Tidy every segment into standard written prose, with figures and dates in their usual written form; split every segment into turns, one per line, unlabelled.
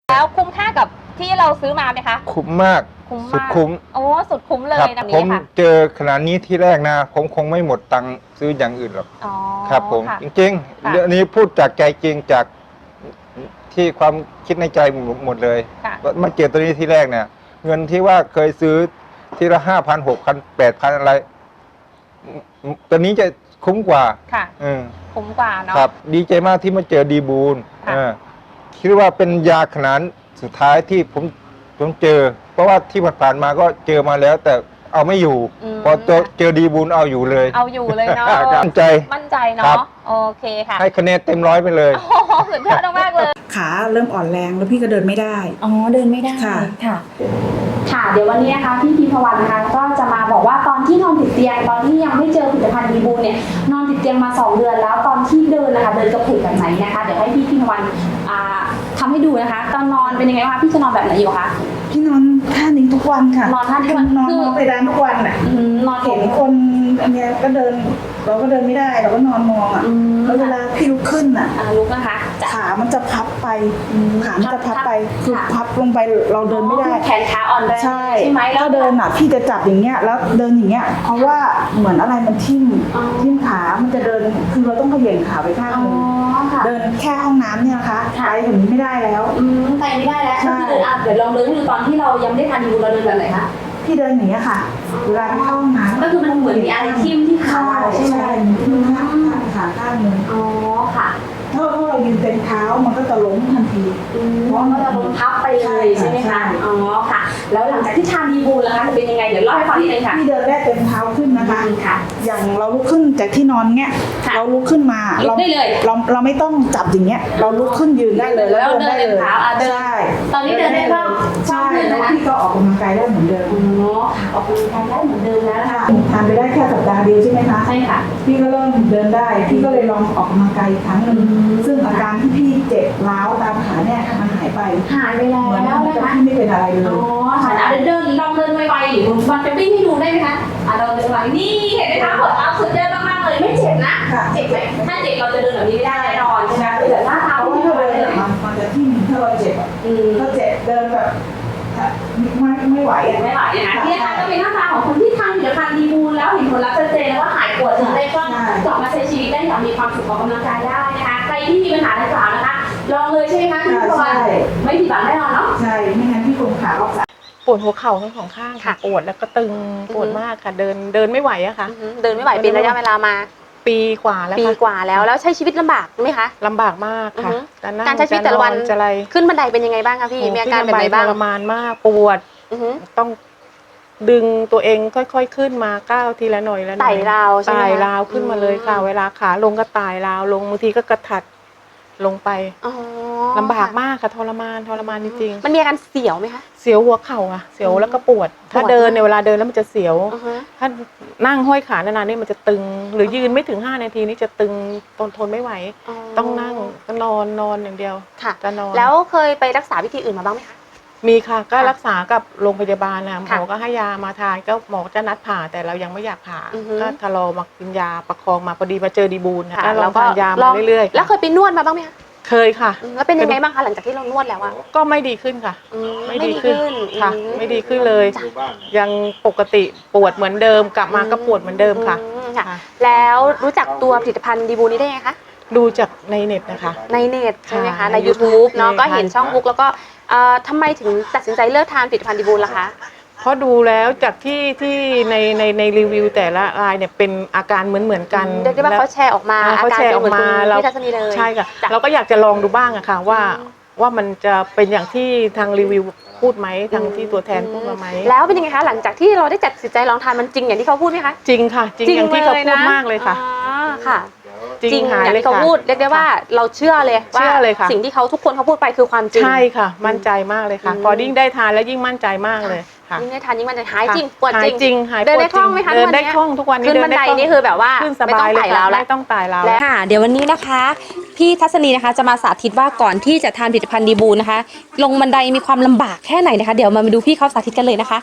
แล้วคุ้มค่ากับที่เราซื้อมาไหมคะ
คุ้มมากสุดคุ้ม
โอ้สุดคุ้มเลยแบบ
ผม
นี้ค่ะ
เจอขนาดนี้ที่แรกนะผมคงไม่หมดตังค์ซื้ออย่างอื่นหรอกครับผมจริงๆเรื่องนี้พูดจากใจจริงจากที่ความคิดในใจหมดเลยมาเจอตัวนี้ที่แรกเนี่ยเงินที่ว่าเคยซื้อทีละ5,000 6,000 8,000อะไรตัวนี้จะคุ้มกว่า
ค่ะคุ้มกว่าเนาะ
ครับดีใจมากที่มาเจอดีบูลคิดว่าเป็นยาขนาดสุดท้ายที่ผมเจอเพราะว่าที่ผ่านมาก็เจอมาแล้วแต่เอาไม่อยู่พอเจอดีบูลเอาอยู่เลย
เนาะมั่นใจเนาะโอเคค่ะ
ให้คะแนนเต็ม100ไปเลย
โอ้โหสุดยอดมากเลย
ขาเริ่มอ่อนแรงแล้วพี่ก็เดินไม่ได้
เดินไม่ได้
ค่ะ
ค่ะเดี๋ยววันนี้นะคะพี่พิมพวันนะคะก็จะมาบอกว่าตอนที่นอนติดเตียงตอนที่ยังไม่เจอผลิตภัณฑ์ดีบูลเนี่ยนอนติดเตียงมา2 เดือนแล้วตอนที่เดินนะคะเดินกระเพกแบบไหนนะคะเดี๋ยวให้พี่พิมพวันทำให้ดูนะคะตอนนอนเป็นยังไงคะพี่จะนอนแบบไหนอยู่คะ
พี่นอนท่านี้ทุกวันค่ะ
นอนท่านี้
นอนไปร้านทุกวันอ่ะ
นอน
เห็นคนอันเนี้ยก็เดินเราก็เดินไม่ได้เราก็นอนมองอ่ะแล้วเวลาพี่ลุกขึ้นอ่ะ
ลุกนะคะ
ขามันจะพับไปขามันจะพับไปคือพับลงไปเราเดินไม่ได้
แขนขาอ่อนแรง
ใช่ไหมแล้วเดินอ่ะพี่จะจับอย่างเงี้ยแล้วเดินอย่างเงี้ยเพราะว่าเหมือนอะไรมันทิ่มขามันจะเดินคือเราต้องเขย่งขาไปข้างนึงเดินแค่ห้องน้ำเนี่ยนะคะไปถึงนี้ไม่ได้แล้ว
ไปไม่ได้แล้วก็คือเดี๋ยวลองเดินดูตอนที่เรายังไม่ได้ทานดีบูลเราเดินแบบไหนคะ
พี่เดินอย่างเงี้ยค่ะเวลาเข้าห้องน้ำ
ก็คือมันเหมือนมีอะไรทิ่มที่ขา
ใช่ไหมทิ่มขาข้างนึง
ค่ะ
ถ้าเรายืนเต็มเท้ามันก็จะล้มทันที
เพราะมันจะล้มทับไปเลยใช่ไหมคะค่ะแล้วหลังจากที่ทานดีบูลแล้วคะจะเป็นยังไงเดี๋ยวเล่าให้ฟังนิดนึงค่ะ
พี่เดินแรกเต็มเท้าขึ้นนะคะอย่างเราลุกขึ้นจากที่นอนเงี้ยเราลุกขึ้นมาเราไม่ต้องจับอย่างเงี้ยเราลุกขึ้นยืนได้เลยแล้วเดินได้เลย
ใช่ตอนนี้เดินได้บ้าง
ใช่แล้วพี่ก็ออกกำลังกายได้เหมือนเดิม
ออกกำลังกายได้เหมือนเดิมแล้วค่ะ
ทานไปได้แค่สัปดาห์เดียวใช่ไหมคะ
ใช่ค่ะ
พี่ก็เริ่มเดินได้พี่ก็เลยลองออกกำลังกายอีกครั้งนึงซึ่งอาการที่พี่เจ็บร้าวตามขาเนี่ยมันหายไป
แล้ว
นะคะพี่ไม่เป็นอะไรเลย
ค่ะลองเดินไวๆหรือมันจะวิ่งให้ดูได้ไหมคะเราเดินไวนี่เห็นไหมคะผลลัพธ์สุดยอดมากๆเลยไม่เจ็บนะเจ็บไหมถ้าเจ็บเราจะเดินแบบนี้ไม่ได้แน่นอนใช่ไหมเดี๋ยวหน้าเท้า
ที่เราเดินมันจะที่ถ้าเราเจ็บถ้าเจ็บเดินแบบไม่ไหว
ไม่ไหวนะที่นะคะก็เป็นหน้าตาของคนที่ทานผลิตภัณฑ์ดีบูลแล้วเห็นผลลัพธ์ชัดเจนแล้วว่าหายปวดถึงได้ก็กลับมาใช้ชีวิตได้อย่างมีความสุขออกกำลังกายได้นะคะใครที่มีปัญหาดังกล่าวนะคะลองเลยใช่ไหมคะพี่พรไม่ผิดหวังแน่นอนเนาะ
ใช่ไม่งั้นพี่คงขาออก
ปวดหัวเข่าทั้ง2 ข้างค่ะปวดแล้วก็ตึงปวดมากค่ะเดินไม่ไหวอะค่ะ
เดินไม่ไหวเป็นระยะเวลามา
ปีกว่าแล้ว
แล้วใช้ชีวิตลำบากไหมคะ
ลำบากมากค่ะ
การใช้ชีวิตแต่ละวันขึ้นบันไดเป็นยังไงบ้างคะพี่มีอาการแบบไหนบ้าง
ทรมานมากปวดต้องดึงตัวเองค่อยๆขึ้นมาก้าวทีละหน่อย
ไต่ราวใช่ไหม
ไต่ราวขึ้นมาเลยค่ะเวลาขาลงก็ไต่ราวลงบางทีก็กระถัดลงไปลำบากมากค่ะทรมานจริง
ๆมันมีอาการเสียวไหมคะ
เสียวหัวเข่าอะเสียวแล้วก็ปวดถ้าเดินในเวลาเดินแล้วมันจะเสียวถ้านั่งห้อยขานานๆนี่มันจะตึงหรือยืนไม่ถึง5 นาทีนี่จะตึงทนไม่ไหวต้องนั่งก็นอนอย่างเดียว
จะนอนแล้วเคยไปรักษาวิธีอื่นมาบ้างไหมคะ
มีค่ะก็รักษากับโรงพยาบาลนะหมอก็ให้ยามาทานก็หมอจะนัดผ่าแต่เรายังไม่อยากผ่าก็ทะลอมากินยาประคองมาพอดีมาเจอดีบูลนะแล้วก็ทานยามาเรื่อย
ๆแล้วเคยไปนวดมาบ้างไหมคะ
เคยค่ะ
แล้วเป็นยังไงบ้างคะหลังจากที่เรานวดแล้วอะ
ก็ไม่ดีขึ้นค่ะไม่ดีขึ้นค่ะไม่ดีขึ้นเลยยังปกติปวดเหมือนเดิมกลับมาก็ปวดเหมือนเดิมค่ะ
แล้วรู้จักตัวผลิตภัณฑ์ดีบูลนี้ได้ไงคะ
ดูจากในเน็ตนะคะ
ในเน็ตใช่ไหมคะใน YouTube เนาะก็เห็นช่องบุ๊กแล้วก็ทำไมถึงตัดสินใจเลือกทานผลิตภัณฑ์ดีบูลล่ะคะ
เพราะดูแล้วจากที่ในรีวิวแต่ละรายเนี่ยเป็นอาการเหมือนกัน
เรียกได้ว่าเขาแชร์ออกมา
เขาแชร์ออกมา
เราพี่ทัศนีเลย
ใช่ค่ะเราก็อยากจะลองดูบ้างอะค่ะว่ามันจะเป็นอย่างที่ทางรีวิวพูดไหมทางที่ตัวแทนพูดมาไหม
แล้วเป็นยังไงคะหลังจากที่เราได้ตัดสินใจลองทานมันจริงอย่างที่เขาพูดไหมคะ
จริงค่ะจริงอย่างที่เขาพูดมากเลยค่ะ
ค่ะจริงอย่างที่เขาพูดเรียกได้ว่าเราเชื่อเลยว่าสิ่งที่เขาทุกคนเขาพูดไปคือความจริง
ใช่ค่ะมั่นใจมากเลยค่ะพอยิ่งได้ทานแล้วยิ่งมั่นใจมากเลย
ยิ่งได้ทานยิ่งมั่นใจหายจริงปวด
จริง
เดินได้คล่องไหมคะ
เดินได้คล่องทุกวันนี้
ขึ้นบันไดนี่คือแบบว่า
ขึ้นสบายเลยค่ะไม่ต้องไต่ราว
แล้วค่ะเดี๋ยววันนี้นะคะพี่ทัศนีนะคะจะมาสาธิตว่าก่อนที่จะทานผลิตภัณฑ์ดีบูลนะคะลงบันไดมีความลำบากแค่ไหนนะคะเดี๋ยวมาดูพี่เขาสาธิตกันเลยนะคะ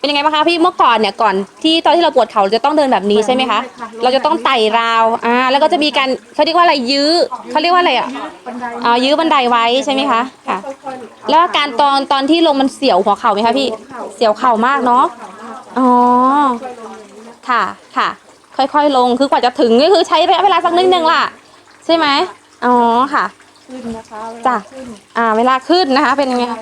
เป็นยังไงบ้างคะพี่เมื่อก่อนเนี่ยก่อนที่ตอนที่เราปวดเข่าเราจะต้องเดินแบบนี้ใช่ไหมคะเราจะต้องไต่ราวแล้วก็จะมีการเขาเรียกว่าอะไรยื้อเขาเรียกว่าอะไรยื้อบันไดไว้ใช่ไหมคะค่ะแล้วอาการตอนที่ลงมันเสียวหัวเข่าไหมคะพี่เสียวเข่ามากเนาะอ๋อค่ะค่ะค่อยๆลงคือกว่าจะถึงก็คือใช้ระยะเวลาสักนิดนึงล่ะใช่ไหมอ๋อค่ะจ้ะเวลาขึ้นนะคะเป็นยังไงคะ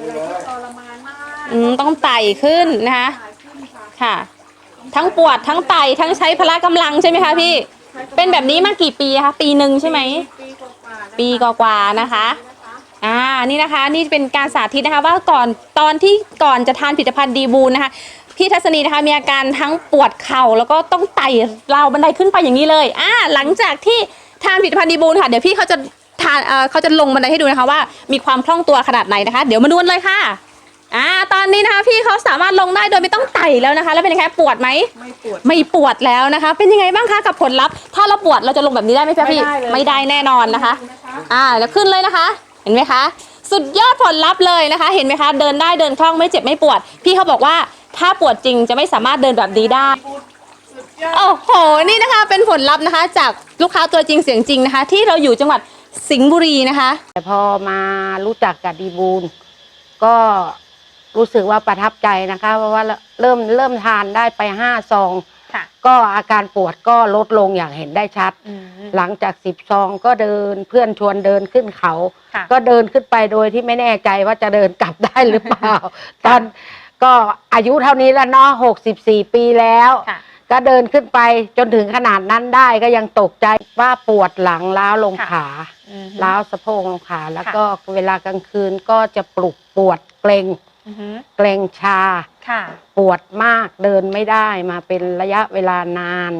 ต้องไต่ขึ้นนะคะค่ะทั้งปวดทั้งไต่ทั้งใช้พละกำลังใช่ไหมคะพี่เป็นแบบนี้มากี่ปีคะปีหนึ่งใช่ไหมปีกว่าๆนะคะนี่นะคะนี่เป็นการสาธิตนะคะว่าตอนที่ก่อนจะทานผลิตภัณฑ์ดีบูนนะคะพี่ทัศนีนะคะมีอาการทั้งปวดเข่าแล้วก็ต้องไต่ราวบันไดขึ้นไปอย่างนี้เลยหลังจากที่ทานผลิตภัณฑ์ดีบูนค่ะเดี๋ยวพี่เขาจะลงบันไดให้ดูนะคะว่ามีความคล่องตัวขนาดไหนนะคะเดี๋ยวมาดูกันเลยค่ะตอนนี้นะคะพี่เขาสามารถลงได้โดยไม่ต้องไต่แล้วนะคะแล้วเป็นยังไงปวดไหมไม่ปวดแล้วนะคะเป็นยังไงบ้างคะกับผลลัพธ์ถ้าเราปวดเราจะลงแบบนี้ได้ไหมพี่ไม่ได้แน่นอนนะคะแล้วขึ้นเลยนะคะเห็นไหมคะสุดยอดผลลัพธ์เลยนะคะเห็นไหมคะเดินได้เดินคล่องไม่เจ็บไม่ปวดพี่เขาบอกว่าถ้าปวดจริงจะไม่สามารถเดินแบบนี้ได้โอ้โหนี่นะคะเป็นผลลัพธ์นะคะจากลูกค้าตัวจริงเสียงจริงนะคะที่เราอยู่จังหวัดสิงห์บุรีนะคะ
แต่พอมารู้จักกับดีบูลก็รู้สึกว่าประทับใจนะคะเพราะว่าเริ่มทานได้ไป5 ซองก็อาการปวดก็ลดลงอย่างเห็นได้ชัดหลังจาก10 ซองก็เดินเพื่อนชวนเดินขึ้นเขาก็เดินขึ้นไปโดยที่ไม่แน่ใจว่าจะเดินกลับได้หรือเปล่าตอนก็อายุเท่านี้แล้วเนาะ64 ปีแล้วก็เดินขึ้นไปจนถึงขนาดนั้นได้ก็ยังตกใจว่าปวดหลังล้าวลงขาล้าวสะโพกลงขาแล้วก็เวลากลางคืนก็จะปวดเกร็งชาปวดมากเดินไม่ได้มาเป็นระยะเวลานาน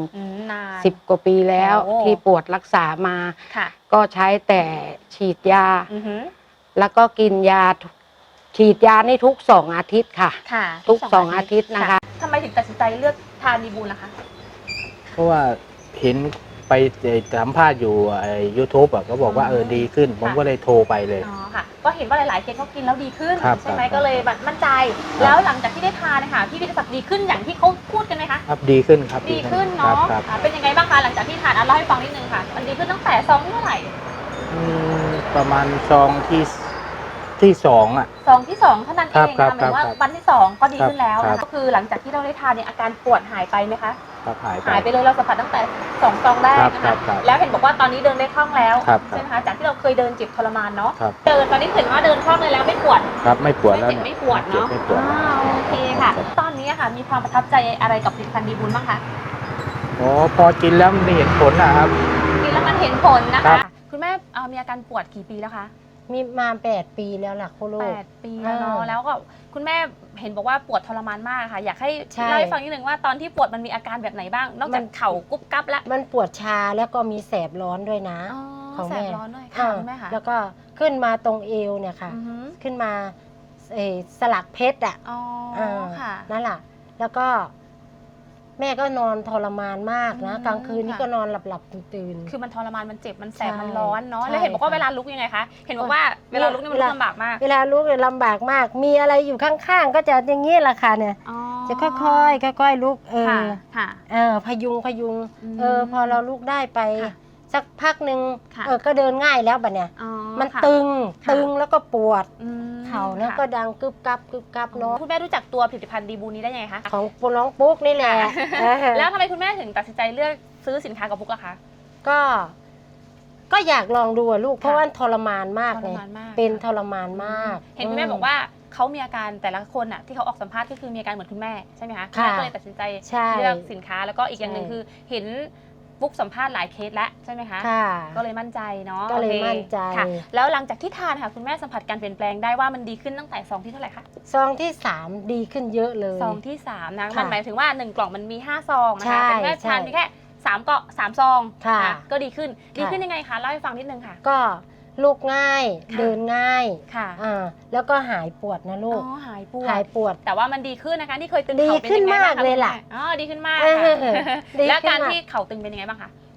10 กว่าปีแล้วที่ปวดรักษามาก็ใช้แต่ฉีดยาแล้วก็กินยาฉีดยานี่ทุก2 อาทิตย์ค่ะทุก2 อาทิตย์นะคะ
ทำไมถึงตัดสินใจเลือกทานดีบูลล่ะคะ
เพราะว่าเห็นไปสัมภาษณ์อยู่YouTube ก็บอกว่าดีขึ้นผมก็เลยโทรไปเลย
ค่ะก็เห็นว่าหลายๆเคสเขากินแล้วดีขึ้นใช่ไหมก็เลยมั่นใจแล้วหลังจากที่ได้ทานนะคะพี่วิทยาศักดิ์ดีขึ้นอย่างที่เขาพูดกันไหมคะ
ครับดีขึ้นครับ
ดีขึ้นเนาะเป็นยังไงบ้างคะหลังจากที่ทานเล่าให้ฟังนิดนึงค่ะมันดีขึ้นตั้งแต่ซองที่เท่าไหร่
ประมาณซองที่2
ซองที่2เท่านั้นเองนะหมายว่าวันที่2ก็ดีขึ้นแล้วก็คือหลังจากที่เราได้ทานเนี่ยอาการปวดหายไปไหมคะหายไปเลยเราสัมผัสตั้งแต่2 ซองแรกนะคะแล้วเห็นบอกว่าตอนนี้เดินได้คล่องแล้วใช่ไหมคะจากที่เราเคยเดินเจ็บทรมานเนาะเดินตอนนี้เห็นว่าเดินคล่องเลยแล้วไม่ปวด
ครับไม่ปวดแล้ว
ไม่ปวดเนาะโอเคค่ะตอนนี้ค่ะมีความประทับใจอะไรกับผลิตภัณฑ์ดีบูลบ้างคะ
พอกินแล้วมันเห็นผลนะครับ
กินแล้วมันเห็นผลนะคะคุณแม่มีอาการปวดกี่ปีแล้วคะ
มีมา8 ปีแล้วล่ะคุณลูก
8 ปีแล้วเนาะแล้วก็คุณแม่เห็นบอกว่าปวดทรมานมากค่ะอยากให้เล่าให้ฟังนิดนึงว่าตอนที่ปวดมันมีอาการแบบไหนบ้างนอกจากเข่ากุ๊บกั๊บแล้ว
มันปวดชาแล้วก็มีแสบร้อนด้วยนะ
ของแม่แสบร้อนด้วยค่ะคุณแม่ค่ะ
แล้วก็ขึ้นมาตรงเอวเนี่ยค่ะขึ้นมาสลักเพชร
ค่ะ
นั่นแหละแล้วก็แม่ก็นอนทรมานมากนะกลางคืนนี่ก็นอนหลับตื่น
คือมันทรมานมันเจ็บมันแสบมันร้อนเนาะแล้วเห็นบอกว่าเวลาลุกยังไงคะเห็นบอกว่าเวลาลุกนี่มันลำบากมาก
เวลาลุกเนี่ยลำบากมากมีอะไรอยู่ข้างๆก็จะอย่างนี้แหละค่ะเนี่ยจะค่อยๆลุกพยุงพอเราลุกได้ไปสักพักหนึ่งก็เดินง่ายแล้วบัดเนี่ยมันตึงแล้วก็ปวดเข่าแล้วก็ดังกึบกับเนาะ
คุณแม่รู้จักตัวผลิตภัณฑ์ดีบูนี้ได้ยังไงคะ
ของน้องปุ๊กนี่แหละ
แล้วทำไมคุณแม่ถึงตัดสินใจเลือกซื้อสินค้ากับปุ๊กล่ะคะ
ก็อยากลองดูลูกเพราะว่าทรมานมากเลยเป็นทรมานมาก
เห็นคุณแม่บอกว่าเขามีอาการแต่ละคนอ่ะที่เขาออกสัมภาษณ์ก็คือมีอาการเหมือนคุณแม่ใช่ไหมคะก็เลยตัดสินใจเลือกสินค้าแล้วก็อีกอย่างหนึ่งคือเห็นปุ๊กสัมภาษณ์หลายเคสแล้วใช่ไหมคะก็เลยมั่นใจเนาะ
ก็เลยมั่นใจ
ค่ะแล้วหลังจากที่ทานค่ะคุณแม่สัมผัสการเปลี่ยนแปลงได้ว่ามันดีขึ้นตั้งแต่ซองที่เท่าไหร่คะ
ซองที่3ดีขึ้นเยอะเลย
ซองที่3นะมันหมายถึงว่า1 กล่องมันมี5 ซองนะคะแต่แม่ทานมีแค่3 ซองก็ดีขึ้นยังไงคะเล่าให้ฟังนิดนึงค่ะ
ก็ลุกง่ายเดินง่ายแล้วก็หายปวดนะลูก
หายปวดแต่ว่ามันดีขึ้นนะคะที่เคยตึง
เข่าเป็นยังไงบ้างคะดีขึ้นมากเลยล่ะ
ดีขึ้นมากแล้วการที่เข่าตึงเป็นยังไงบ้างคะ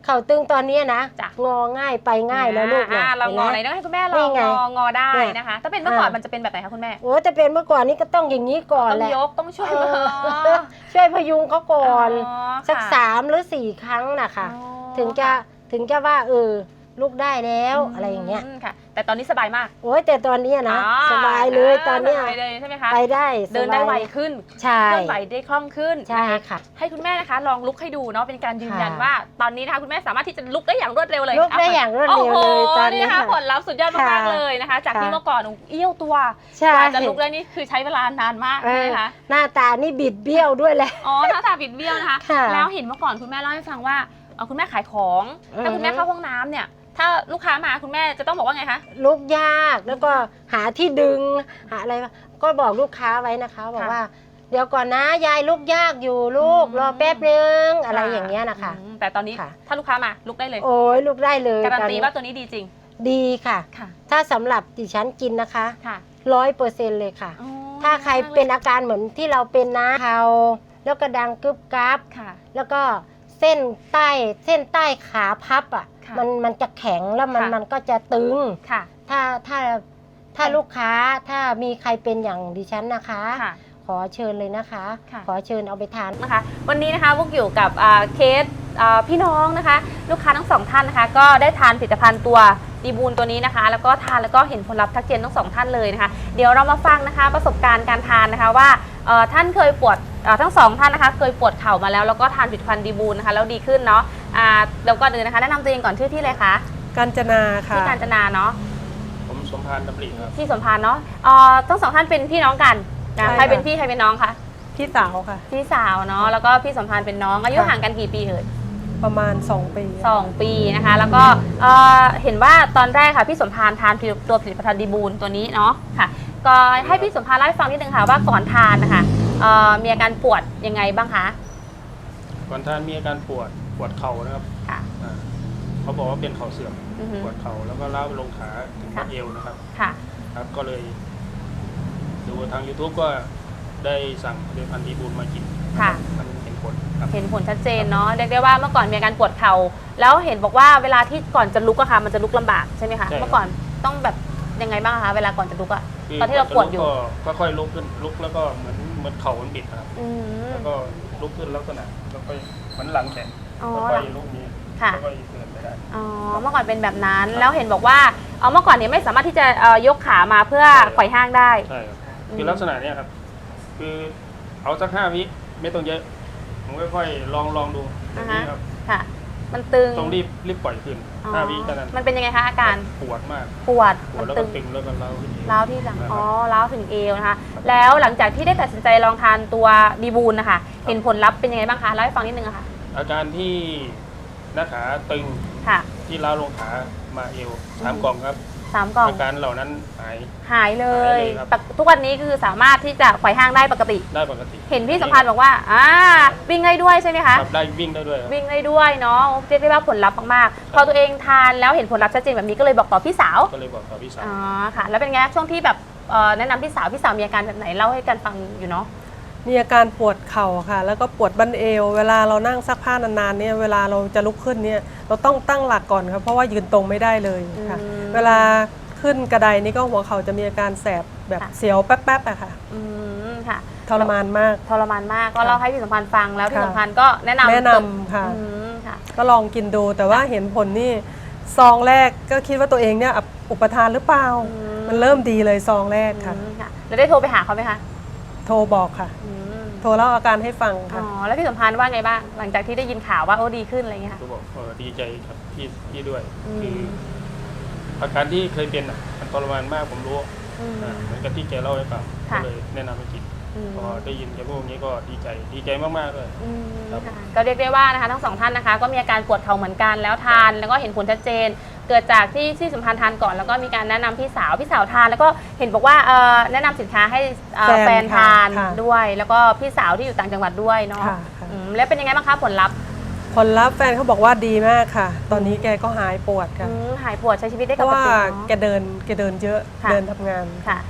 เข่าตึงตอนนี้นะ
จ้ะ
งอง่ายไปง่ายแล้วลูกนะ
เรางอไหน
ห็น
ต้
ไหม
องให้คุณแม่ล
นี่
อง
ไง
งอได้
เนี่ย
นะคะ ถ้าเป็นเมื่อก่อน
อ่ามั
มันจะเป็นแบบไหนคะคุณแม่
โอ้แต่เป็นเมื่อก่อนนี้ก็ต้องอย่างนี้ก่อน
ต้อ
แห
ง
ละ
ยกต้องช่วย
เอ
มือ
อช่วยพยุงเขาก่อน
อ๋อ
สัก
ค่ะ
3 หรือ 4 ครั้งนะคะ
อ๋อ
ถึงจะว่าลูกได้แล้วอะไรอย่างเงี้ย
ค่ะ แต่ตอนนี้สบายมาก
โอ้ยแต่ตอนเนี้ยนะ
อ๋อ
สบายเลยตอนเนี้ย
สบายเลยใช่ไหมคะ
ไปได้
เดินได้
สบาย
ไวขึ้น
ใช่
เคลื่อนไหวได้คล่องขึ้น
ใช่
นะคะ
ค่ะ
ให้คุณแม่นะคะลองลุกให้ดูเนาะเป็นการยืนยัน
ค่ะ
ว่าตอนนี้นะคะคุณแม่สามารถที่จะลุกได้อย่างรวดเร็วเลย
ลุกได้อย่างรวดเร็วเลย
โอ้โห
ตอนนี้
นะคะ
ค่ะ
ผลลัพธ์สุดยอดมาก
ค่ะ
ๆเลยนะคะ จากที่
ค่ะ
เมื่อก่อนเอี้ยวตัว
ใช่
กว่าจะลุกได้นี่คือใช้เวลานานมาก
เอ
ใช่
อ
ไหมคะ
หน้าตานี่บิดเบี้ยวด้วยแหละ
อ๋อหน้าตาบิดเบี้ยวนะคะ
ค่ะ
แล้วเห็นเมื่อก่อนคุณแม่เล่าให้ฟังว่าคุณแม่ขายของ ถ้าคุณแม่เข้าห้องน้ำเนี่ย ถ้าลูกค้ามาคุณแม่จะต้องบอกว่าไงคะ
ลุกยากแล้วก็หาที่ดึงหาอะไรก็บอกลูกค้าไว้นะคะบอกว่า เดี๋ยวก่อนนะยายลุกยากอยู่ลูกรอแป๊บนึงอะไรอย่างเงี้ยนะคะ
แต่ตอนนี้
ค่ะ
ถ้าลูกค้ามาลุกได้เลย
โอ้ยลุกได้เลย
การัน
ตอ
ตีว่าตัวนี้ดีจริง
ดีค่ะ
ค่ะ
ถ้าสำหรับดิฉันกินนะคะ
ค่ะ
100%เลยค่ะ
อ๋อ
ถ้าใครเป็นอาการเหมือนที่เราเป็นนะเขาแล้วก็ดังกึบกับ
ค่ะ
แล้วก็เส้นใต้ขาพับอ่ะ
ค่ะ
มันจะแข็งแล้ว
ค่ะ
มันก็จะตึง
ค่ะ
ถ้าลูกค้าถ้ามีใครเป็นอย่างดิฉันนะคะ
ค่ะ
ขอเชิญเลยนะคะ
ค่ะ
ขอเชิญเอาไปทาน
นะคะวันนี้นะคะพวกอยู่กับเคสพี่น้องนะคะ ลูกค้าทั้งสองท่านนะคะ ก็ได้ทานผลิตภัณฑ์ตัวดีบูลตัวนี้นะคะ แล้วก็ทานแล้วก็เห็นผลลัพธ์ทักเจนทั้งสองท่านเลยนะคะ เดี๋ยวเรามาฟังนะคะประสบการณ์การทานนะคะว่าท่านเคยปวดทั้งสองท่านนะคะ เคยปวดเข่ามาแล้วก็ทานผลิตภัณฑ์ดีบูลนะคะแล้วดีขึ้นเนาะแล้วก็เดินนะคะแนะนำตัวเองก่อนชื่อที่เลยคะ
กาญจนาค่ะ
ที่กาญจนาเนาะ
ผมสมพานดำริครับ
ที่สมพานเนาะทั้งสองท่านเป็นพี่น้องกันนะ
ใช่
ใครเป็น
ค่ะ
พี่ใครเป็นน้องคะ
พี่สาวค่ะ
พี่สาวเนาะแล้วก็พี่สมพานเป็นน้องอายุ
ค่ะ
ห่างกันกี่ปีเอ่ย
ประมาณ 2 ปี
2 ปีนะคะแล้วก็เห็นว่าตอนแรกค่ะพี่สมพานทานตัวผลิตภัณฑ์ดีบูลตัวนี้เนาะค่ะก็ให้พี่สมพานเล่าให้ฟังนิดนึงค่ะว่าก่อนทานนะคะมีอาการปวดยังไงบ้างคะ
ก่อนทานมีอาการปวดเข่านะครับ
ค่ะ
เขาบอกว่าเป็นเข่าเสื่อม
อือฮึ
ปวดเข่าแล้วก็ล้าวไปลงขาถึง
ค่ะ
บัดเอวนะครับ
ค่ะ
ครับ ก็เลยดูทาง YouTube ก็ได้สั่งผลิตภัณฑ์ดีบูลมากิน
ค่ะ
มันเห็นผลครับ
เห็นผลชัดเจนเนาะเรียกได้ว่าเมื่อก่อนมีอาการปวดเข่าแล้วเห็นบอกว่าเวลาที่ก่อนจะลุกอะค่ะมันจะลุกลำบากใช่ไหมคะ
ใช่ครับ
เมื่อก่อนต้องแบบยังไงบ้างคะเวลาก่อนจะลุกอะ
คื
ตอนที่เราปวดอยู่
ก็ค่อยๆลุกขึ้นลุกแล้วก็เหมือนเข่ามันบิดนะครับ
อืม
แล้วก็ลุกขึ้นลักษณะแล้วก็เหมือนหลังแขน
อ๋อ
แล้วก็ลุกนี้
ค่ะ
แล้วก็เดินไปได้
อ๋อเมื่อก่อนเป็นแบบนั้นแล้วเห็นบอกว่าเมื่อก่อนเนี่ยไม่สามารถที่จะยกขามาเพื่อ
ใช่ครับ
ไขว่ห้างได้
ใช่ครับคือลักษณะเนี้ยครับ คือเอาสัก5 วิไม่ต้องเยอะ ผมค่อยๆลองดูอย่างนี้ครับ
ค่ะ มันตึง
ต้องรีบปล่อยขึ้น
อ๋อ
5 วิเท่านั้น
มันเป็นยังไงคะอาการ
ปวดมาก
ปวด
ปว
มั
ด
น
แล้ว
ตึ
ก็
ง
ตึงแล้วก็เล้าวขึ้นอีก
ร้าวที่หลัง
นะครับ
อ๋อร้าวถึงเอวนะคะ แล้วหลังจากที่ได้ตัดสินใจลองทานตัวดีบูลนะคะเห็นผลลัพธ์เป็นยังไงบ้างคะเล่าให้ฟังนิดนึงอะค่ะ
อาการที่หน้าขาตึง
ค่ะ
ที่ล้าวลงขามาเอว3 กล่องครับ
3 กล่อง
อาการเหล่านั้นหาย
หายเล
หาย เลยครับ
ทุกวันนี้คือสามารถที่จะไขว่ห้างได้ปกติ
ได้ปกติ
เห็นพี่สัมพันธ์บอกว่าวิ่งได้ด้วยใช่ไหมคะ
ครับได้วิ่งได้ด้วยครับ
วิ่งได้ด้วยเนาะเรียกได้ว่าผลลัพธ์มากๆพอตัวเองทานแล้วเห็นผลลัพธ์ชัดเจนแบบนี้ก็เลยบอกต่อพี่สาว
ก็เลยบอกกับพี่สาว
อ๋อค่ะ แล้วเป็นไงช่วงที่แบบแนะนำพี่สาวมีอาการแบบไหนเล่าให้กันฟังอยู่เนาะ
มีอาการปวดเข่าค่ะ แล้วก็ปวดบั้นเอว เวลาเรานั่งซักผ้านานๆเนี่ยเวลาเราจะลุกขึ้นเนี่ยเราต้องตั้งหลักก่อนครับเพราะว่ายืนตรงไม่ได้เลยค่ะ
อืม
เวลาขึ้นกระไดนี่ก็หัวเข่าจะมีอาการแสบแบบ
ค่ะ
เสียวแป๊บๆอะค่ะ
อืมค่ะ
ทรมานมาก
ทรมานมากก็เล่าให้พี่สัมพันธ์ฟังแล้วพี่
ค่ะ
สัมพันธ์ก็แนะนำ
แนะนำค่ะ
อืมค่ะ
ก็ลองกินดูแต่ว่าเห็นผลนี่ซองแรกก็คิดว่าตัวเองเนี่ยอุปทานหรือเปล่า
อืม
มันเริ่มดีเลยซองแรกค่ะ
อืมค่ะ แล้วได้โทรไปหาเขาไหมคะ
โทรบอกค่ะ
อืม
โทรเล่าอาการให้ฟัง
อ๋
ค่ะ
อแล้วพี่สัมพันธ์ว่าไงบ้างหลังจากที่ได้ยินข่าวว่าโอ้ดีขึ้นอะไรอย่างเงี้ยค่ะ
ก็บอกดีใจครับพี่ด้วย
อืม
คืออาการที่เคยเป็นมันทรมานมากผมรู้
อืม
เหมือนกับที่แกเล่าให้ฟังก็
ค่ะ
เลยแนะนำให้กิน
อืม
พอได้ยินแกพูดอย่างนี้ก็ดีใจมากๆเลย
อืม
ครับ
ค่ะก็เรียกได้ว่านะคะทั้งสองท่านนะคะก็มีอาการปวดเข่าเหมือนกันแล้วทานแล้วก็เห็นผลชัดเจน เกิดจากที่สัมพันธ์ทานก่อนแล้วก็มีการแนะนำพี่สาวทานแล้วก็เห็นบอกว่าแนะนำสินค้าให้แฟนทาน
ค่ะ
ด้วย แล้วก็พี่สาวที่อยู่ต่างจังหวัดด้วยเนาะ
ค่ะค่ะ
แล้วเป็นยังไงบ้างคะผลลัพธ์
ผลลัพธ์แฟนเขาบอกว่าดีมากค่ะ ตอนนี้แกก็หายปวดค่ะ
หายปวดใช้ชีวิตได้
เพ
ป
ราะ
ก
ว่า
ติ
แกเดินเยอะ
ค่ะ
เดินทำงาน
ค่ะ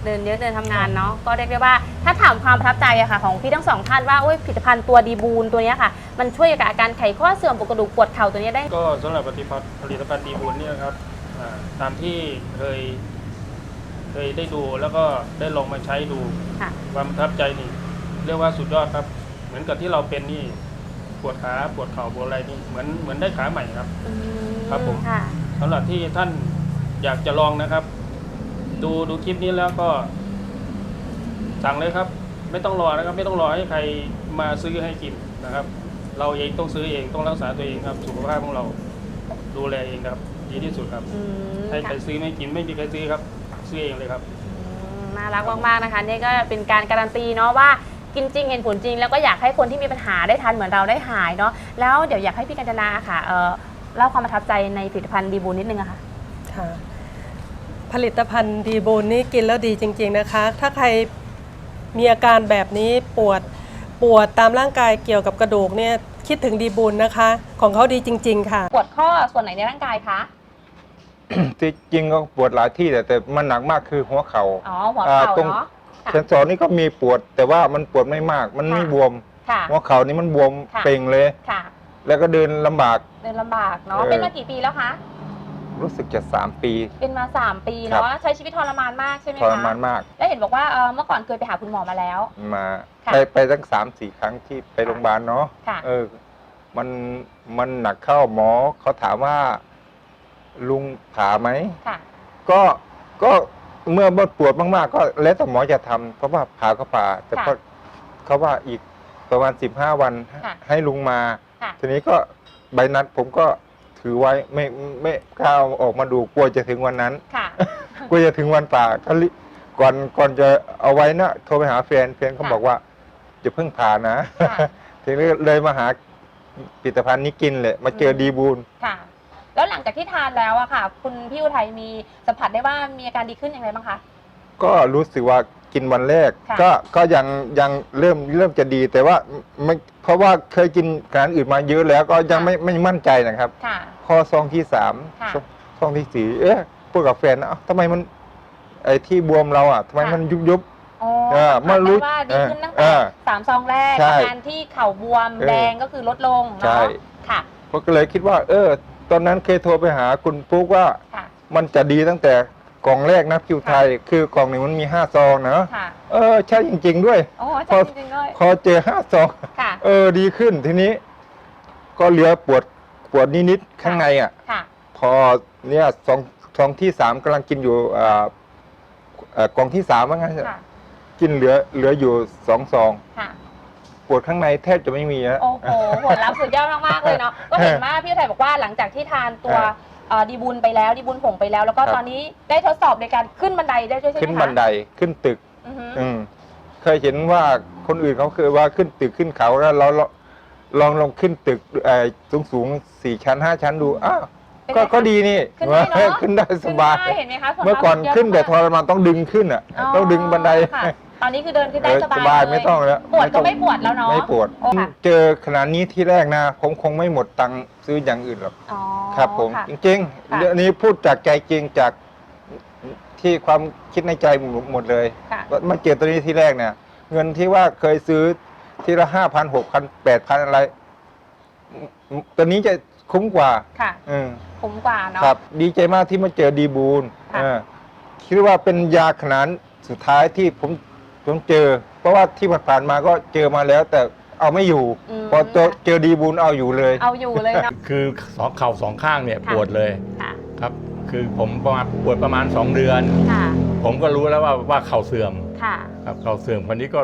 เดินเยอะเดินทำงานเนาะก็เรียกได้ว่าถ้าถามความประทับใจอะค่ะของพี่ทั้งสองท่านว่าผลิตภัณฑ์ตัวดีบูนตัวนี้ค่ะมันช่วยกับอาการไขข้อเสื่อมปวดกระดูกปวดเข่าตัวนี้ได้
ก็สำหรับผลิตภัณฑ์ดีบูนเนี่ยครับตามที่เคยได้ดูแล้วก็ได้ลองมาใช้ดูความประทับใจนี่เรียกว่าสุดยอดครับเหมือนกับที่เราเป็นนี่ปวดขาปวดเข่าปวดอะไรนี่เหมือนได้ขาใหม่ครับครับผมสำหรับที่ท่านอยากจะลองนะครับดูคลิปนี้แล้วก็สั่งเลยครับไม่ต้องรอนะครับไม่ต้องรอให้ใครมาซื้อให้กินนะครับเราเองต้องซื้อเองต้องรักษาตัวเองครับสุขภาพของเราดูแลเองครับดีที่สุดครับให้ใครซื้อไม่กินไม่มีใครซื้อครับซื้อเองเลยครับ
น่ารักมากๆนะคะนี่ก็เป็นการการันตีเนาะว่ากินจริงเห็นผลจริงแล้วก็อยากให้คนที่มีปัญหาได้ทานเหมือนเราได้หายเนาะแล้วเดี๋ยวอยากให้พี่กัญจนาค่ะเล่าความประทับใจในผลิตภัณฑ์ดีบูนนิดนึงอะค่ะ
ค่ะผลิตภัณฑ์ดีบูนนี่กินแล้วดีจริงๆนะคะถ้าใครมีอาการแบบนี้ปวดตามร่างกายเกี่ยวกับกระดูกเนี่ยคิดถึงดีบูนนะคะของเขาดีจริงๆค่ะ
ปวดข้อส่วนไหนในร่างกายคะ
ที่จริงก็ปวดหลายที่แต่มันหนักมากคือหัวเข่า
หัวเข่าเนาะ
เซนสอนนี่ก็มีปวดแต่ว่ามันปวดไม่มากมันไม่บวมหัวเข่านี่มันบวมเป่งเลยแล้วก็เดินลำบาก
เนาะเป็นมากี่ปีแล้วคะ
รู้สึกจะ3 ปี
เป็นมา3 ปีเนาะใช้ชีวิตทรมานมากใช่ไหมคะ
ทรมานมาก
แล้วเห็นบอกว่าเมื่อก่อนเคยไปหาคุณหมอมาแล้ว
มาไปตั้ง3-4 ครั้งที่ไปโรงพยาบาลเนาะมันหนักเข้าหมอเขาถามว่าลุงผ่าไหมก็เมื่อปวดมากๆก็แล้วแต่หมอจะทำเพราะว่าผ่าก็ผ่าแต่เขาว่าอีกประมาณ15 วันให้ลุงมาทีนี้ก็ใบนัดผมก็ถือไว้ไม่กล้าออกมาดูกลัวจะถึงวันนั้นกลัวจะถึงวันผ่าก่อนจะเอาไว้นะโทรไปหาแฟนเขาบอกว่าจะเพิ่งผ่านะทีนี้เลยมาหาผลิตภัณฑ์นี้กินเลยมาเจอดีบูน
แล้วหลังจากที่ทานแล้วอะค่ะคุณพี่อุทัยมีสัมผัสได้ว่ามีอาการดีขึ้นอย่างไรบ้างคะ
ก็รู้สึกว่ากินวันแรกก็ยังเริ่มจะดีแต่ว่าไม่เพราะว่าเคยกินอาหารอื่นมาเยอะแล้วก็ยังไม่มั่นใจนะครับพอซองที่3ซองที่4พูดกับแฟนนะทำไมมันไอ้ที่บวมเราอะทำไมมันยุบ
มารู้ว่าดีขึ้นตั้งแต่3 ซองแรกอาการที่เข่าบวมแดงก็คือลดลงเนาะค่ะ
ก็เลยคิดว่าตอนนั้นเคยโทรไปหาคุณปุ๊กว่ามันจะดีตั้งแต่กล่องแรกนะคิวไทยคือกล่องหนึ่งมันมี5 ซองนะใช่จริงๆด้วยพอเจอ5 ซองดีขึ้นทีนี้ก็เหลือปวดนิดๆข้างในอ่ะพอเนี่ยซองที่3กำลังกินอยู่กล่องที่3ว่างั้นกินเหลืออยู่2 ซองปวดข้างในแทบจะไม่มีนะ
โอ้โหผลลัพธ์สุดยอดมากๆเลยเนาะก็เห็นว่าพี่อุทัยบอกว่าหลังจากที่ทานตัวดีบุญไปแล้วดีบุญผงไปแล้วแล้วก็ตอนนี้ได้ทดสอบในการขึ้นบันไดได้ด้วยใช่ไหมคะ
ขึ้นบันไดขึ้นตึกเคยเห็นว่าคนอื่นเขาเคยว่าขึ้นตึกขึ้นเขาแล้วเราลองขึ้นตึกสูง4 ชั้น 5 ชั้นดูก็ดีนี่ขึ้นได้สบายเมื่อก่อนขึ้นแต่ทรมานต้องดึงขึ้นอ่ะต้องดึงบันได
ตอนนี้คือเดินขึ้นได้สบาย
ไม่ต้องแล้ว
ปวดก็ไม่ปวดแล้วเนาะ
ไม่ปวดเจอขนาดนี้ที่แรกนะผมคงไม่หมดตังค์ซื้ออย่างอื่นหรอกครับผมจริงๆเรื่องนี้พูดจากใจจริงจากที่ความคิดในใจหมดเลยมาเจอตัวนี้ที่แรกเนี่ยเงินที่ว่าเคยซื้อทีละ5,000 6,000 8,000อะไรตัวนี้จะคุ้มกว่า
คุ้มกว่าเนาะ
ครับดีใจมากที่มาเจอดีบูนคิดว่าเป็นยาขนาดสุดท้ายที่ผมเจอเพราะว่าที่ผ่านมาก็เจอมาแล้วแต่เอาไม่อยู่พอเจอดีบูนเอาอยู่เลย
นะ
คือเข่า2 ข้างเนี่ยปวดเลยครับคือผมปวดประมาณ2 เดือนผมก็รู้แล้วว่าเข่าเสื่อมครับเข่าเสื่อมคนนี้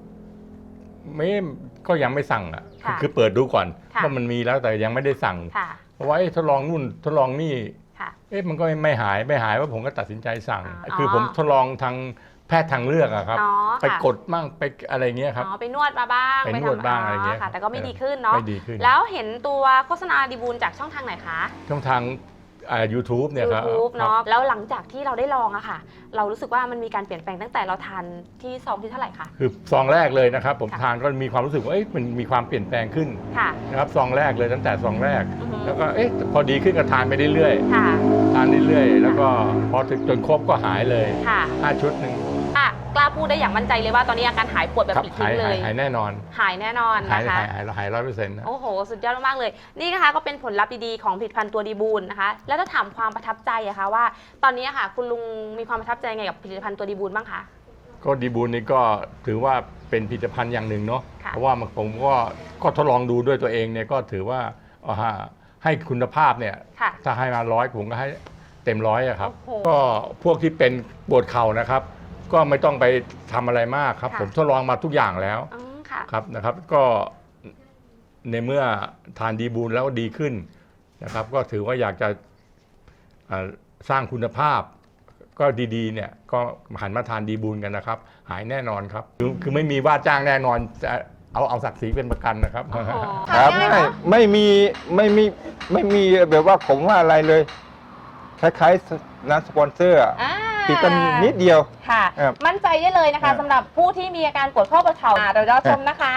ก็ยังไม่สั่งอ่ะคือเปิดดูก่อนว่ามันมีแล้วแต่ยังไม่ได้สั่งเพราะว่าทดลองนู่นทดลองนี่มันก็ไม่หายว่าผมก็ตัดสินใจสั่งคือผมทดลองทางแพทย์ทางเลือกอะครับไปกดมั่งไปอะไรเงี้ยครับ
ไปนวดมาบ้าง
ไปนวดบ้างอะไรเงี้ย
แต่ก็ไม่ดีขึ้นเนาะแล้วเห็นตัวโฆษณาดีบูนจากช่องทางไหนคะ
ช่องทางYouTube เนี่ยครับ
YouTube เนาะแล้วหลังจากที่เราได้ลองอะค่ะเรารู้สึกว่ามันมีการเปลี่ยนแปลงตั้งแต่เราทานที่ซองที่เท่าไหร่คะ
คือซองแรกเลยนะครับผมทานก็มีความรู้สึกว่ามันมีความเปลี่ยนแปลงขึ้นนะครับซองแรกเลยตั้งแต่ซองแรกแล้วก็พอดีขึ้นก็ทานไปเรื่อยๆทานเรื่อยๆแล้วก็พอถึงจนครบก็หายเลย5 ชุดหนึ่ง
กล้าพูดได้อย่างมั่นใจเลยว่าตอนนี้อาการหายปวดแบบ
ครับ
ปลิดทิ้งเลย
หายแน่นอน
หายแน่นอนนะคะ
หาย100%นะ
โอ้โห สุดยอดมากๆเลย นี่นะคะก็เป็นผลลัพธ์ดีๆของผลิตภัณฑ์ตัวดีบูลนะคะ แล้วถ้าถามความประทับใจอะคะว่า ตอนนี้อะค่ะคุณลุงมีความประทับใจไงกับผลิตภัณฑ์ตัวดีบูลบ้างคะ
ก็ดีบูลนี่ก็ถือว่าเป็นผลิตภัณฑ์อย่างหนึ่งเนาะ
ค่ะ
เพราะว่าผมก็ทดลองดูด้วยตัวเองเนี่ยก็ถือว่าให้คุณภาพเนี่ย
ค่ะ
ถ้าให้มา100ผมก็ให้เต็ม100อะครับ
โอ้โห
ก็พวกที่เป็นปวดเข่านะครับ ก็ไม่ต้องไปทำอะไรมากครับ
ค่ะ
ผมทดลองมาทุกอย่างแล้ว
ค่ะ
ครับนะครับ ก็ในเมื่อทานดีบูลแล้วดีขึ้นนะครับ ก็ถือว่าอยากจะสร้างคุณภาพ ก็ดีๆเนี่ยก็หันมาทานดีบูลกันนะครับ หายแน่นอนครับคือไม่มีว่าจ้างแน่นอนจะเอาศักดิ์ศรีเป็นประกันนะครับ
ครับไม่มีแบบว่าผมว่าอะไรเลย คล้ายๆร้านสปอนเซอร์ติดกันนิดเดียว
ค่ะ
ครับ
มั่นใจได้เลยนะคะสำหรับผู้ที่มีอาการปวดข้อปวดเข่าเราจะชมนะคะ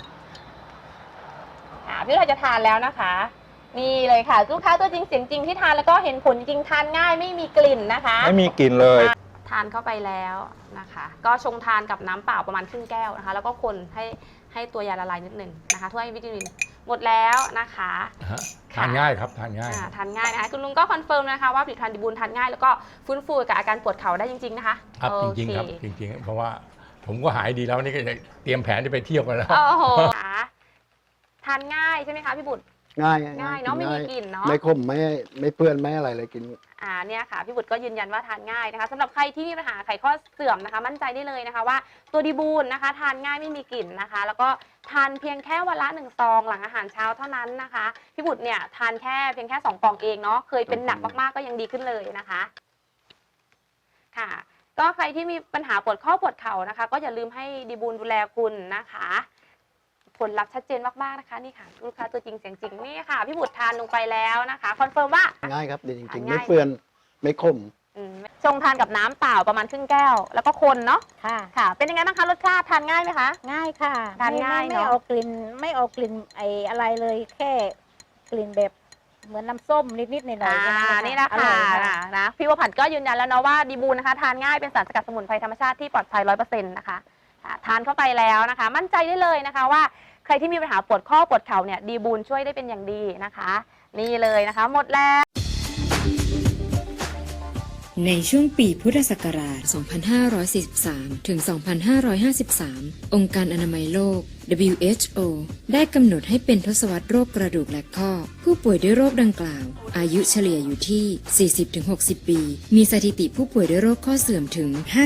พี่เราจะทานแล้วนะคะ นี่เลยค่ะลูกค้าตัวจริงเสียงจริงที่ทานแล้วก็เห็นผลจริงทานง่ายไม่มีกลิ่นนะคะ
ไม่มีกลิ่นเลย
ทานเข้าไปแล้วนะคะ ก็ชงทานกับน้ำเปล่าประมาณครึ่งแก้วนะคะ แล้วก็คนให้ตัวยาละลายนิดหนึ่งนะคะถ้วยวิตามินหมดแล้วนะคะ
ทานง่ายครับทานง่าย
ทานง่ายนะคะคุณลุงก็คอนเฟิร์มนะคะว่าผลิตภัณฑ์ดีบูลทานง่ายแล้วก็ฟื้นฟูกับอาการปวดเข่าได้จริงๆนะคะ
ครับจริงๆครับจริงๆเพราะว่าผมก็หายดีแล้วนี่ก็จะเตรียมแผนจะไปเที่ยวกันแล้ว
โอ้โหทานง่ายใช่ไหมคะพี่บุตร
ง่าย
ง่ายเนาะไม่มีกลิ่นเนาะ
ไม่ขมไม่เปื้อนไม่อะไรเลยกิน
เนี่ยค่ะพี่บุตรก็ยืนยันว่าทานง่ายนะคะสำหรับใครที่มีปัญหาไขข้อเสื่อมนะคะ มั่นใจได้เลยนะคะว่าตัวดีบูลนะคะ ทานง่ายไม่มีกลิ่นนะคะ แล้วก็ทานเพียงแค่วันละ1 ซองหลังอาหารเช้าเท่านั้นนะคะพี่บุตรเนี่ยทานเพียงแค่2 กล่องเองเนาะเคยเป็นหนักมากๆก็ยังดีขึ้นเลยนะคะค่ะ ก็ใครที่มีปัญหาปวดข้อปวดเข่านะคะ ก็อย่าลืมให้ดีบูลดูแลคุณนะคะผลลัพธ์ชัดเจนมากๆนะคะนี่ค่ะลูกค้าตัวจริงเสียงจริงนี่ค่ะพี่บุตรทานลงไปแล้วนะคะคอนเฟิร์มว่า
ง่ายครับดีจริงๆ
ง่าย
ไม่เปื้อนไม่ขม
ชงทานกับน้ำเปล่าประมาณครึ่งแก้ว แล้วก็คนเนาะ
ค่ะ
ค่ะ เป็นยังไงบ้างคะรสชาติทานง่ายไหมคะ
ง่ายค่ะ
ทานง่าย
ไม่
เนอะ
เอากลิ่นไม่เอากลิ่นอะไรเลยแค่กลิ่นแบบเหมือนน้ำส้มนิดๆหน่อยๆแค่
นี่นะ
อร่
คะ
อยค่ะ
นะพี่วผันก็ยืนยันแล้วเนาะว่าดีบูลนะคะทานง่ายเป็นสารสกัดสมุนไพรธรรมชาติที่ปลอดภัย100%นะคะทานเข้าไปแล้วนะคะ มั่นใจได้เลยนะคะว่าใครที่มีปัญหาปวดข้อปวดเข่าเนี่ยดีบูลช่วยได้เป็นอย่างดีนะคะ นี่เลยนะคะหมดแล้ว
ในช่วงปีพุทธศักราช 2543 ถึง 2553 องค์การอนามัยโลก WHO ได้กำหนดให้เป็นทศวรรษโรคกระดูกและข้อ ผู้ป่วยด้วยโรคดังกล่าว อายุเฉลี่ยอยู่ที่ 40-60 ปี มีสถิติผู้ป่วยด้วยโรคข้อเสื่อมถึง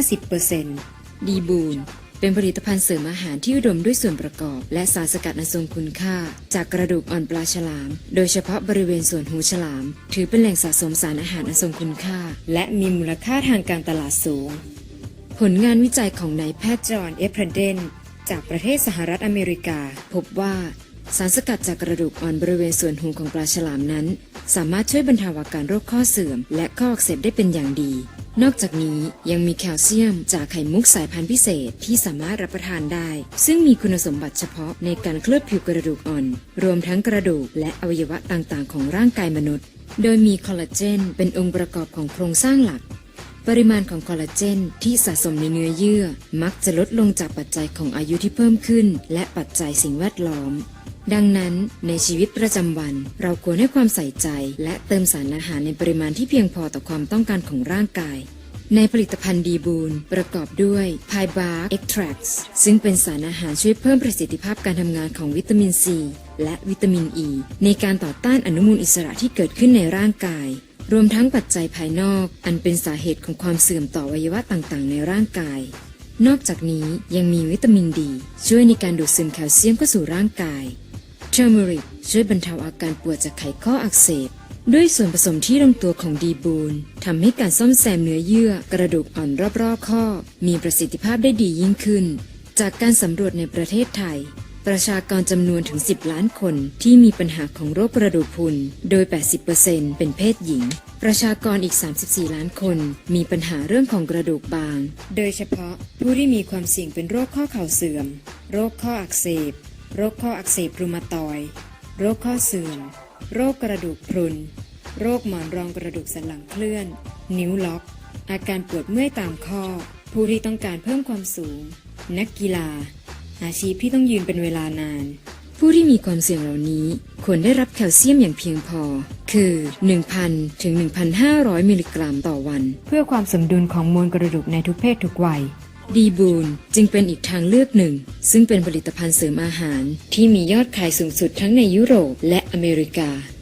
50% ดีบูลเป็นผลิตภัณฑ์เสริมอาหารที่อุดมด้วยส่วนประกอบและสารสกัดอันทรงคุณค่าจากกระดูกอ่อนปลาฉลามโดยเฉพาะบริเวณส่วนหูฉลามถือเป็นแหล่งสะสมสารอาหารอันทรงคุณค่าและมีมูลค่าทางการตลาดสูงผลงานวิจัยของนายแพทย์จอห์น เอฟเพรเดนจากประเทศสหรัฐอเมริกาพบว่าสารสกัดจากกระดูกอ่อนบริเวณส่วนหูของปลาฉลามนั้นสามารถช่วยบรรเทาอาการโรคข้อเสื่อมและข้ออักเสบได้เป็นอย่างดีนอกจากนี้ยังมีแคลเซียมจากไข่มุกสายพันธุ์พิเศษที่สามารถรับประทานได้ซึ่งมีคุณสมบัติเฉพาะในการเคลือบผิวกระดูกอ่อนรวมทั้งกระดูกและอวัยวะต่างๆของร่างกายมนุษย์โดยมีคอลลาเจนเป็นองค์ประกอบของโครงสร้างหลักปริมาณของคอลลาเจนที่สะสมในเนื้อเยื่อมักจะลดลงจากปัจจัยของอายุที่เพิ่มขึ้นและปัจจัยสิ่งแวดล้อมดังนั้นในชีวิตประจำวันเราควรให้ความใส่ใจและเติมสารอาหารในปริมาณที่เพียงพอต่อความต้องการของร่างกายในผลิตภัณฑ์ดีบูลประกอบด้วย Pie Bark Extracts ซึ่งเป็นสารอาหารช่วยเพิ่มประสิทธิภาพการทำงานของวิตามินซีและวิตามินอ e ีในการต่อต้านอนุมูลอิสระที่เกิดขึ้นในร่างกายรวมทั้งปัจจัยภายนอกอันเป็นสาเหตุของความเสื่อมต่ออวัยวะต่างๆในร่างกายนอกจากนี้ยังมีวิตามินดีช่วยในการดูดซึมแคลเซียมเข้าสู่ร่างกายเทอร์เมริกช่วยบรรเทาอาการปวดจากไขข้ออักเสบด้วยส่วนผสมที่ลงตัวของดีบูลทำให้การซ่อมแซมเนื้อเยื่อกระดูกอ่อนรอบๆข้อมีประสิทธิภาพได้ดียิ่งขึ้นจากการสำรวจในประเทศไทยประชากรจำนวนถึง10 ล้านคนที่มีปัญหาของโรคกระดูกพรุนโดย 80% เป็นเพศหญิงประชากรอีก34 ล้านคนมีปัญหาเรื่องของกระดูกบางโดยเฉพาะผู้ที่มีความเสี่ยงเป็นโรคข้อเข่าเสื่อมโรคข้ออักเสบโรคข้ออักเสบรูมาตอยด์โรคข้อเสื่อมโรคกระดูกพรุนโรคหมอนรองกระดูกสันหลังเคลื่อนนิ้วล็อกอาการปวดเมื่อยตามข้อผู้ที่ต้องการเพิ่มความสูง นักกีฬา อาชีพที่ต้องยืนเป็นเวลานาน ผู้ที่มีความเสี่ยงเหล่านี้ควรได้รับแคลเซียมอย่างเพียงพอ คือ 1,000 ถึง 1,500 มิลลิกรัมต่อวัน เพื่อความสมดุลของมวลกระดูกในทุกเพศทุกวัย ดีบูนจึงเป็นอีกทางเลือกหนึ่ง ซึ่งเป็นผลิตภัณฑ์เสริมอาหารที่มียอดขายสูงสุดทั้งในยุโรปและอเมริกา